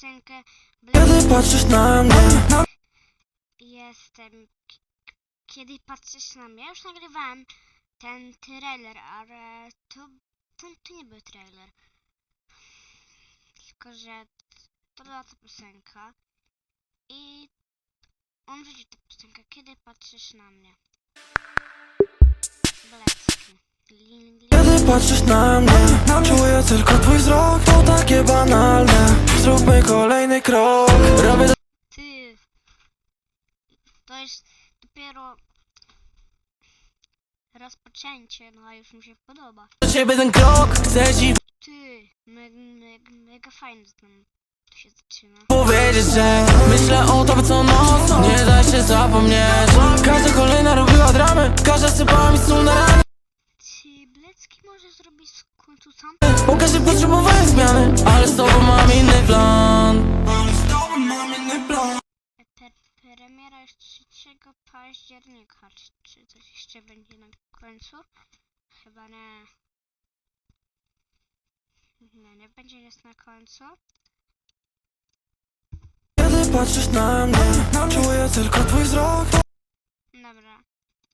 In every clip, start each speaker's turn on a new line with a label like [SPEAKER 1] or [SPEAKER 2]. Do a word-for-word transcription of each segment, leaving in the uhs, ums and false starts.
[SPEAKER 1] piosenkę
[SPEAKER 2] Kiedy patrzysz na mnie,
[SPEAKER 1] jestem. Kiedy patrzysz na mnie, już nagrywałem ten trailer, ale to, to, to nie był trailer. Tylko, że to była ta piosenka i on wrzucił tę piosenkę, kiedy patrzysz na mnie. Blecki.
[SPEAKER 2] kiedy patrzysz na mnie, czuję tylko twój wzrok. To takie banalne, zróbmy kolejny krok. Robię do
[SPEAKER 1] Ty, to jest dopiero rozpoczęcie, no a już mi się podoba.
[SPEAKER 2] ciebie ten krok, chcę ci
[SPEAKER 1] Ty, mega, mega, mega fajnie tam to się zaczyna.
[SPEAKER 2] powiedzieć, że myślę o tobie co noc, nie da się zapomnieć. Każda kolejna robiła dramy, każda sypała mi sól na rany.
[SPEAKER 1] Czy Blecki może zrobić w końcu sam?
[SPEAKER 2] Bo każdy potrzebowałem zmiany, ale z tobą mam inny plan. Ale z tobą mam inny plan.
[SPEAKER 1] Pre premiera jest trzeciego października. Czy, czy coś jeszcze będzie na końcu? Chyba nie. Nie, nie będzie nic na końcu.
[SPEAKER 2] Kiedy patrzysz na mnie, czuję tylko twój wzrok.
[SPEAKER 1] Dobra.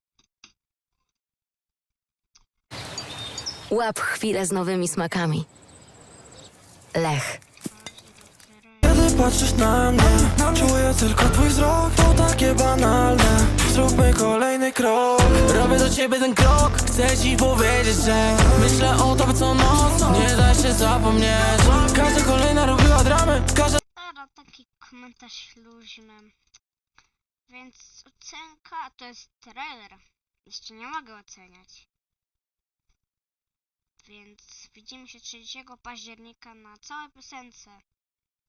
[SPEAKER 3] Łap chwilę z nowymi smakami. Lech.
[SPEAKER 2] Kiedy patrzysz na mnie, czuję tylko twój wzrok. To takie banalne, zróbmy kolejny krok. Robię do ciebie ten krok, chcę ci powiedzieć, że myślę o tobie co noc, nie da się zapomnieć. Każda kolejna robiła dramy, każda
[SPEAKER 1] Teraz taki komentarz luźny. Więc ocenka to jest trailer. Jeszcze nie mogę oceniać. Więc widzimy się trzeciego października na całej piosence.